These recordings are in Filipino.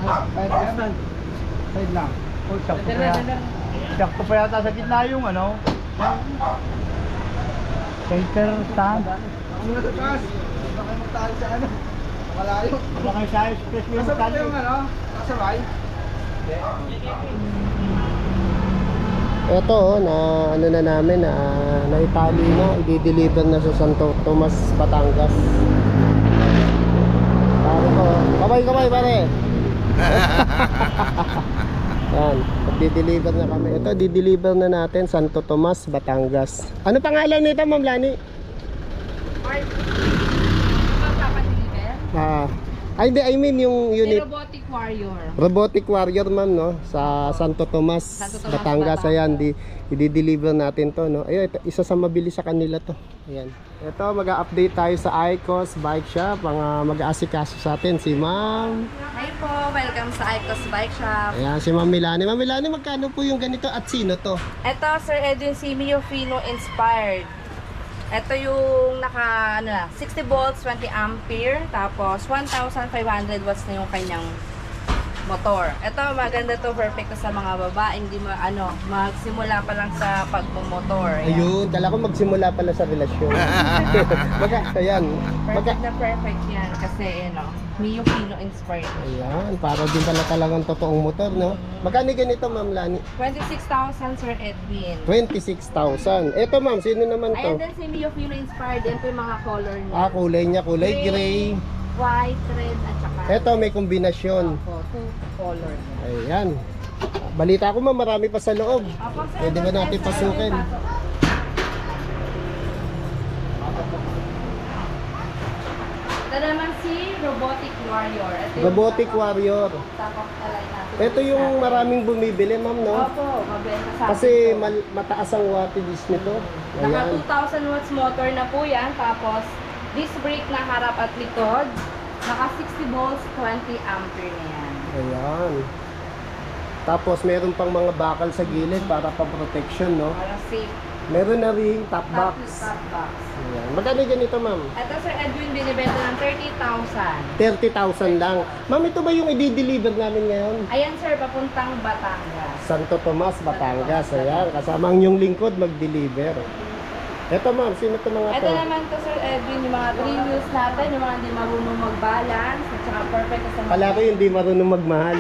Side lang. Oh, sakto pa yata sa gitna yung ano. Shaker stand. Ang nasa taas. Baka kayo magtahan sa ano. Malayo. Baka kayo sa express yung Kasabay yung ano? Kasabay? Ito na ano na namin na naitali na, i-deliver na sa Santo Tomas, Batangas. Pare ko, kamay pare. Yan, di-deliver na kami. Ito, di-deliver na natin Santo Tomas, Batangas. Ano pangalan nito, Ma'am Lani? Hindi, I mean yung unit. Robotic Warrior. Robotic Warrior, ma'am, no? Sa Santo Tomas, Batangas. Ayan, i-deliver natin to, no? Ayun, ito, isa sa mabilis sa kanila to. Ayan. Ito, mag-update tayo sa Icos Bike Shop. Ang mag-aasikaso sa atin, si Ma'am. Hi po, welcome sa Icos Bike Shop. Ayan, si Ma'am Milani. Ma'am Milani, magkano po yung ganito at sino to? Ito, Sir Edwin C. Fino inspired. Ito yung naka 60 volts, 20 ampere, tapos 1,500 watts na yung kanyang motor. Ito maganda to, perfect to sa mga babae, hindi magsimula pa lang sa pagmumotor. Ayun, kala ko magsimula pala sa relasyon. Ayan. Perfect na perfect yan kasi Mio Fino inspired. Ayan, para din pala talagang totoong motor, no? Magkano ganito, Ma'am Lani? 26,000, Sir Edwin. 26,000. Ito, Ma'am, sino naman to? Ayan din si Mio Fino inspired. Yan po yung mga color niya. Kulay niya, kulay gray. White, red, at saka Ito, may kombinasyon. two color niya. Ayan. Balita ko, Ma'am, marami pa sa loob. Opo, sir. Pwede ba natin pasukin? Ito naman si Robotic Warrior. Ito yung Robotic Warrior. tapos alay natin. Ito yung maraming bumibili, Ma'am, no? Opo, mabenta sa Kasi atin to. mataas ang wattage nito. Naka Ayan. 2,000 watts motor na po yan. Tapos, disc brake na harap at likod. Naka 60 volts, 20 ampere na yan. Ayan. Tapos meron pang mga bakal sa gilid para pa-protection, no? Para safe. Meron na rin top box. Top box. Ayan. Magkano ganito, Ma'am? Ito, Sir Edwin, binibenta ng 30,000. 30,000 lang. Ma'am, ito ba yung i-deliver namin ngayon? Ayan, sir, papuntang Batangas. Santo Tomas, Batangas. Ayan, kasama ang yung lingkod mag-deliver. Ito, Ma'am, sino ito mga Ito to? naman to, Sir Edwin, yung mga 3 wheels natin, yung mga hindi marunong mag-balance, at saka perfect sa mga... Kala ko yung di marunong magmahal.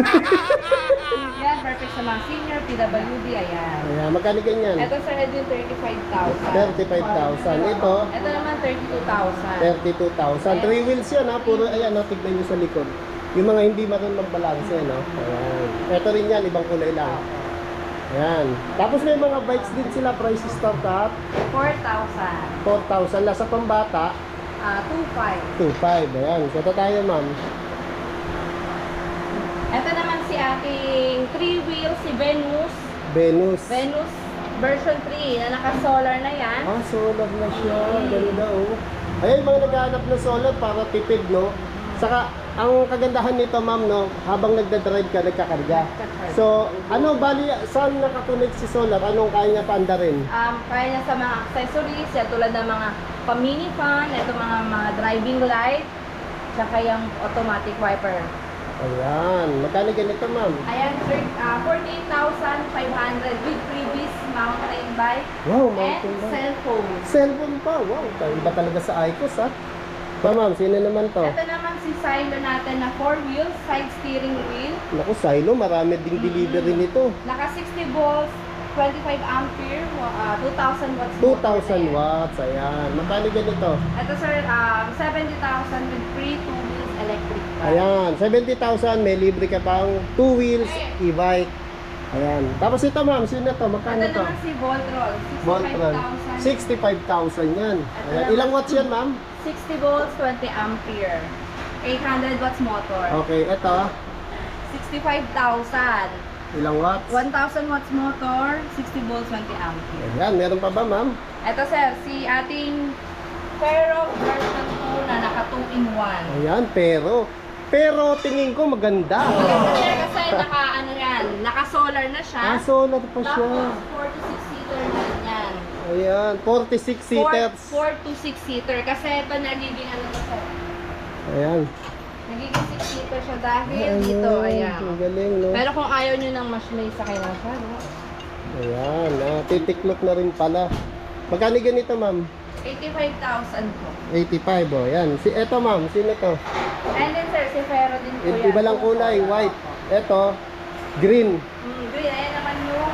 Yan, perfect sa mga senior, PWD, ayan. Ayan, magkano ganyan? Ito, Sir Edwin, 35,000. 35,000. Ito, Ito naman, 32,000. 32,000. 3 wheels yan, ha? Puro, ayan, no? Tignan nyo sa likod. Yung mga hindi marunong magbalanse, no? Ayan. Ito rin yan, ibang kulay lang. Ayan. Tapos may mga bikes din sila, price start at 4,000. 4,000. Lasa pambata, 2,500. 2,500. Ayan. Kata tayo, Ma'am. Ito naman si ating 3 wheels, si Venus. Venus. Venus version 3 na naka-solar na yan. Solar na siya. Ganda, oh. Ayun, mga naghahanap ng solar para tipid, no? Saka, ang kagandahan nito, Ma'am, no? Habang nagdadrive ka, nagkakarga. So, bali, saan nakakonect si solar? Anong kaya niya paandarin? Kaya niya sa mga accessories, yan, tulad ng mga pa-mini fan, ito mga driving light, tsaka yung automatic wiper. Ayan. Magkano ganito, Ma'am? Ayan, sir, 48,500 with previous mountain bike Wow, and mountain bike. cellphone. Cellphone pa. Wow, iba talaga sa Icos, ha? Ma'am, sino naman to? Ito naman si Silo natin na 4 wheels, side steering wheel. Naku, Silo, marami ding delivery nito. Naka 60 volts, 25 ampere, 2,000 watts. 2,000 watts, ayan. Magkano ganito? Ito sir, 70,000 with free 2 wheels electric bike. Ayan, 70,000, may libre ka pang 2 wheels e-bike. Ayan. Tapos ito, Ma'am, sino to? Magkano Ito to? naman si Voltron, Voltron. 65,000. 65,000 yan. Ayan. Ilang watts yan, Ma'am? 60 volts, 20 ampere. 800 watts motor. Okay, ito. 65,000. Ilang watts? 1,000 watts motor, 60 volts, 20 ampere. Ayan, meron pa ba, Ma'am? Ito sir, si ating Ferro version 2 na naka 2-in-1. Ayan, pero tingin ko maganda. Maganda sir kasi naka-solar na siya. Solar pa siya. Tapos 4 to 6 seater na yan. Ayan, 46 seaters. 4 to 6 seater kasi ito nagiging ano to sir. Ayan. Nagiging 6 seater filter siya dahil dito, ayan. Ang galing, no? Pero kung ayaw nyo ng mas may sakay lang siya, no? Ayan, titiklop na rin pala. Magkano ganito, ma'am? 85,000 po. 85, oh. Yan. Eto, ma'am. Sino to? And then sir, si Ferro din po yan. Iba lang kulay. White. Eto, green. Green, ayan naman yung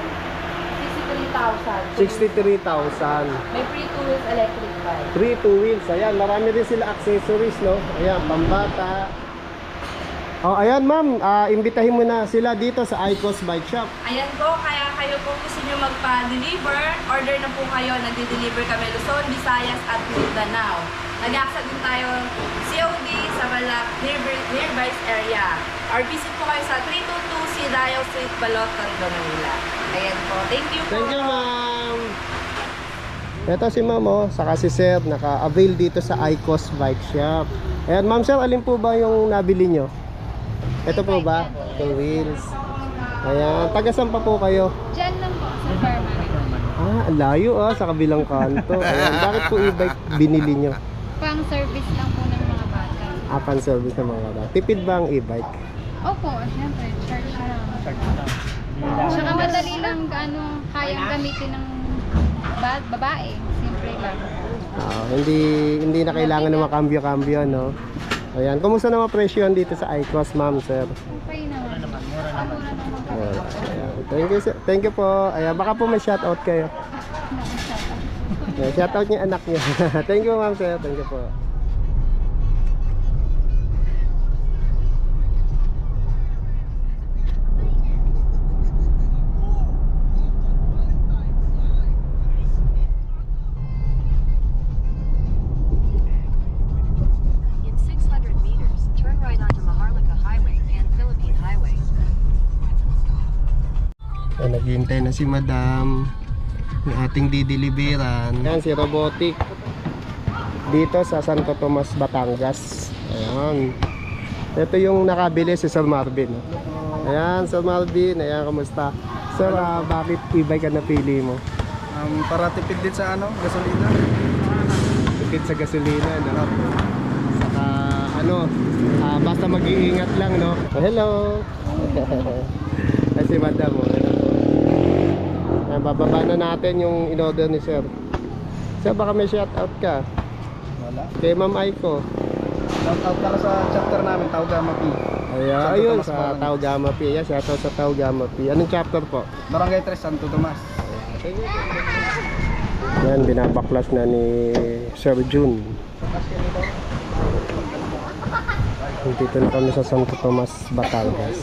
63,000. 63,000. May free 2 wheels electric bike. 3 two wheels. Ayan, marami rin sila accessories, no? Ayan, pambata. Oh, ayan, ma'am. Imbitahin mo na sila dito sa Icos Bike Shop. Ayan po, kaya kayo po gusto nyo magpa-deliver, order na po kayo, nagde-deliver kami Luzon, Visayas at Mindanao. Nag-accept din tayo COD sa Balak, nearby area. Or visit po kayo sa 322 Sidayo Street, Balot, Tondo, Manila. Ayan po, thank you po. Thank you, ma'am. Ito si ma'am, oh, saka si sir, naka-avail dito sa Icos Bike Shop. Ayan, ma'am sir, alin po ba yung nabili nyo? Ito po ba? 2 wheels. Ayan, taga-saan pa po kayo? Diyan lang po, sa Fairmont. Ang layo sa kabilang kanto. Ayan, bakit po e-bike binili nyo? Pang service lang po ng mga bata. Pan-service ng mga bata. Tipid ba ang e-bike? Opo, syempre, charge lang. Tsaka madali lang kayang gamitin ng babae. Simple lang. Hindi na kailangan ng makambyo-kambyo, no? Ayan, kumusta naman presyo dito sa Icos, ma'am, sir? Okay naman. Mura naman. Ayan. Thank you, sir. Thank you po. Ayan, baka po may shoutout kayo. Ayan, shoutout niya anak niya. Thank you, ma'am, sir. Thank you po. In 600 meters, turn right onto Maharlika Highway and Philippine Highway. Ayan, naghihintay na si madam yung ating dideliveran. Ayan, si Robotic dito sa Santo Tomas, Batangas. Ayan, ito yung nakabili si Sir Marvin. Ayan, Sir Marvin. Ayan, kamusta? Sir, bakit e-bike ka napili mo? Para tipid din sa gasolina. Tipid sa gasolina, no? Saka basta mag-iingat lang, no? Hello. Ay, si madam, Ayan, bababa na natin yung in-order ni Sir. Sir, baka may shoutout ka Wala. kay Ma'am Aiko. Shoutout ka sa chapter namin, Taugama P. Ayan, Santo ayun, Tomas, sa Batangas. Taugama P. Ayan, shoutout sa Taugama P. Anong chapter po? Barangay 3, Santo Tomas. Yan, binabaklas na ni Sir June. Dito na kami sa Santo Tomas, Batangas.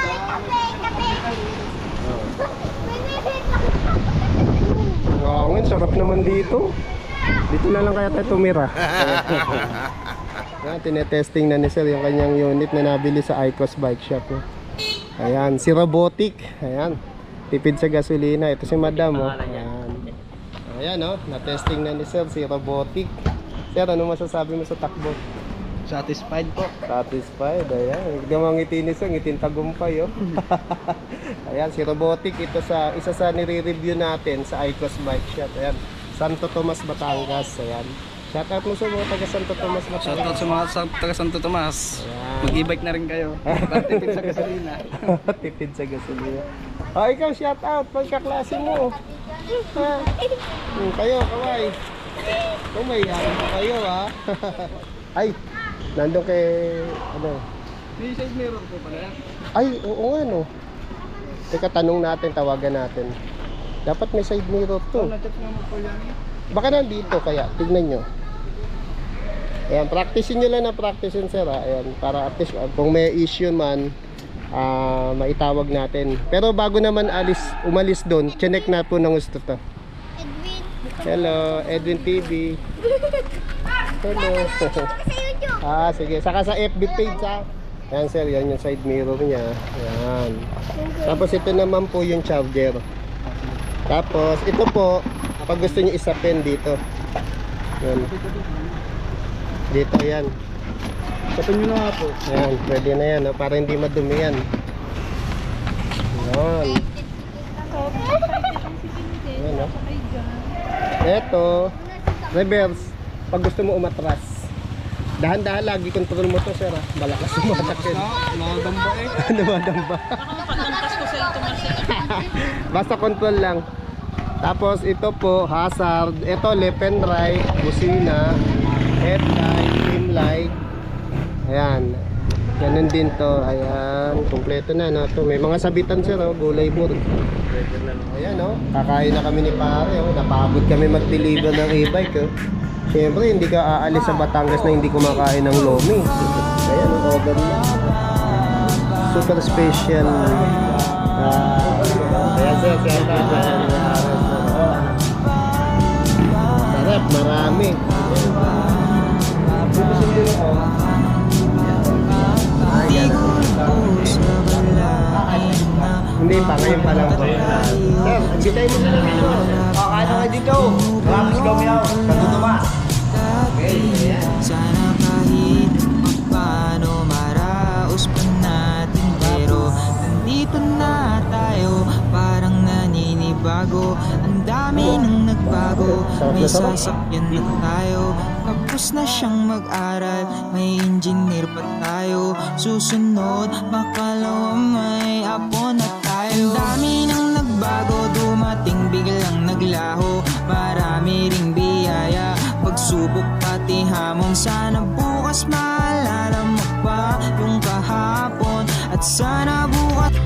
Wow, ngayon, sarap naman dito. Dito na lang kaya tayo tumira. Yan, tinetesting na ni Sir yung kanyang unit na nabili sa Icos Bike Shop. Ayan, si Robotic. Ayan, tipid sa gasolina. Ito si Madam. Ayan. Ayan, na-testing na ni Sir si Robotic. Sir, ano masasabi mo sa takbo? Satisfied po. Satisfied, ayan. Hindi mo ngiti ni Sir, ngitin tagumpay, Ayan, si Robotic, ito isa sa nire-review natin sa Icos Bike Shop. Ayan, Santo Tomas, Batangas. Ayan. Shoutout mo sa mga taga Santo Tomas, Batangas. Shoutout sa mga taga Santo Tomas. Ayan. Mag-e-bike na rin kayo. Para tipid sa gasolina. Tipid sa gasolina. Ikaw, shoutout, pagkaklase mo. Kayo, kaway. Umayan pa kayo, Ay, nandun kay, May side mirror po pala yan. Ay, oo nga, no. Teka, tanong natin, tawagan natin. Dapat may side mirror to. Na-chat naman po yan. Baka nandito kaya, tignan nyo. Ayan, practicein nyo lang na practicein, sir. Ayan, para at least kung may issue man, maitawag natin. Pero bago naman umalis doon, chinek na po ng gusto to. Hello, Edwin TV. Hello. Sige, saka sa FB page, Ayan, sir, yan yung side mirror niya. Ayan. Tapos ito naman po yung charger. Tapos ito po, pag gusto niyo isapin dito. Yan. Dito yan. Sapin nyo na nga po. Ayan, pwede na yan, para hindi madumi yan. Ayan. Ayan, Ito, reverse. Pag gusto mo umatras. Dahan-dahan lagi control mo to, sir. Malakas sumatakit. Nakadamba eh. Namadamba. Basta control lang. Tapos ito po, hazard. Ito left and right, busina, headlight, rim light. Ayan. Ganun din to. Ayan, kumpleto na no. To may mga sabitan sir, oh, gulay board. Ayan oh, kakain na kami ni pare oh. Napagod kami mag-deliver ng e-bike oh. Siyempre, hindi ka aalis sa Batangas na hindi kumakain ng lomi. Ayan, order na. Super special. Ayan, sir. Sarap, marami. Hindi pa, ngayon pa lang po. Sir, bitayin mo na dito. Kakain na kayo dito. Promise kami ako. Katutumas. Sana kahit paano maraos pa natin, pero nandito na tayo, parang naninibago. Ang dami nang nagbago, may sasakyan na tayo. Tapos na siyang mag-aral, may engineer pa tayo. Susunod, makalawa may apo na tayo. Ang dami nang nagbago, dumating biglang naglaho. Marami ring biyaya, pagsubok pati hamon. Sana bukas maalala mo pa yung kahapon, at sana bukas